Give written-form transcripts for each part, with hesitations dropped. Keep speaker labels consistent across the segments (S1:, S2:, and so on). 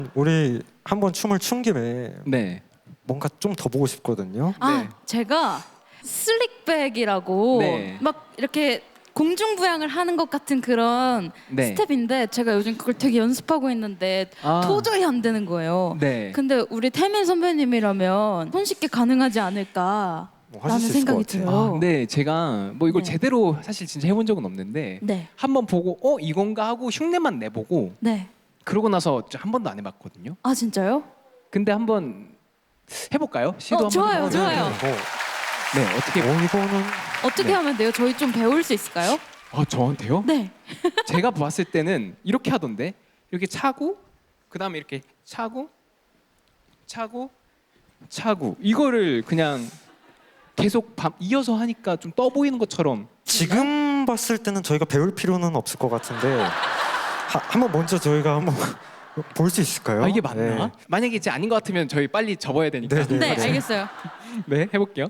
S1: 우리 한번 춤을 춘 김에
S2: 네.
S1: 뭔가 좀 더 보고 싶거든요.
S3: 아,
S2: 네.
S3: 제가 슬릭백이라고
S2: 네.
S3: 막 이렇게 공중부양을 하는 것 같은 그런
S2: 네.
S3: 스텝인데 제가 요즘 그걸 되게 연습하고 있는데
S2: 아.
S3: 도저히 안 되는 거예요.
S2: 네.
S3: 근데 우리 태민 선배님이라면 손쉽게 가능하지 않을까
S1: 뭐 하실
S3: 라는
S1: 수 있을
S3: 생각이
S1: 것 같아요.
S3: 들어요.
S2: 네, 제가 뭐 이걸
S3: 네.
S2: 제대로 사실 진짜 해본 적은 없는데
S3: 네.
S2: 한번 보고 이건가 하고 흉내만 내보고
S3: 네.
S2: 그러고 나서 한 번도 안 해봤거든요.
S3: 아, 진짜요?
S2: 근데 한번 해볼까요? 시도 한번
S3: 좋아요,
S2: 해볼까요?
S3: 좋아요.
S2: 네, 어떻게?
S1: 이거는
S3: 어떻게
S2: 네.
S3: 하면 돼요? 저희 좀 배울 수 있을까요?
S2: 저한테요?
S3: 네.
S2: 제가 봤을 때는 이렇게 하던데 이렇게 차고 그 다음에 이렇게 차고 이거를 그냥 계속 이어서 하니까 좀 떠 보이는 것처럼.
S1: 지금 봤을 때는 저희가 배울 필요는 없을 것 같은데 한번 먼저 저희가 한번 볼 수 있을까요?
S2: 이게 맞나?
S1: 네.
S2: 만약에 이제 아닌 것 같으면 저희 빨리 접어야 되니까.
S1: 네, 네.
S3: 네, 알겠어요.
S2: 네, 해볼게요.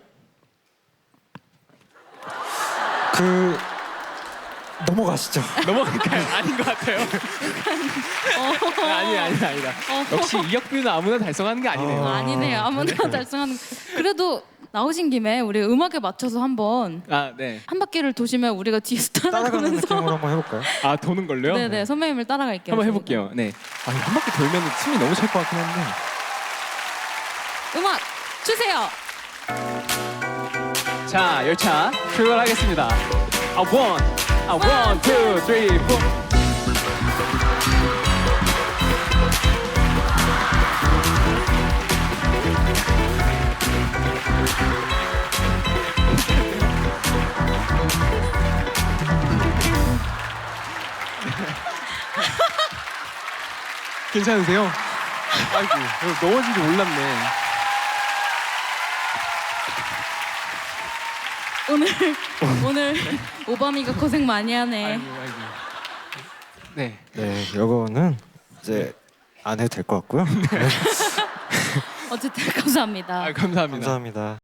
S1: 넘어가시죠.
S2: 넘어갈까요? 아닌 것 같아요. 아니다. 역시 이혁빈은 아무나 달성하는 게 아니네요.
S3: 아니네요. 아무나 달성하는. 그래도 나오신 김에 우리 음악에 맞춰서 한번
S2: 네.
S3: 한 바퀴를 도시면 우리가 뒤에서
S1: 따라가는
S3: 따라가면서
S1: 느낌으로 한번 해볼까요?
S2: 도는 걸로요?
S3: 네네 선배님을 따라갈게요.
S2: 한번
S3: 저희가.
S2: 해볼게요. 네. 한 바퀴 돌면 숨이 너무 찰 것 같긴 한데.
S3: 음악 주세요.
S2: 자, 열차 출발하겠습니다. 원, 투, 쓰리, 포. 괜찮으세요? 아이고, 넘어진 줄 몰랐네.
S3: 오늘 오바미가 고생 많이 하네.
S2: 아이고. 네.
S1: 네, 이거는 이제 안 해도 될 것 같고요.
S3: 어쨌든 감사합니다.
S2: 감사합니다.
S1: 감사합니다.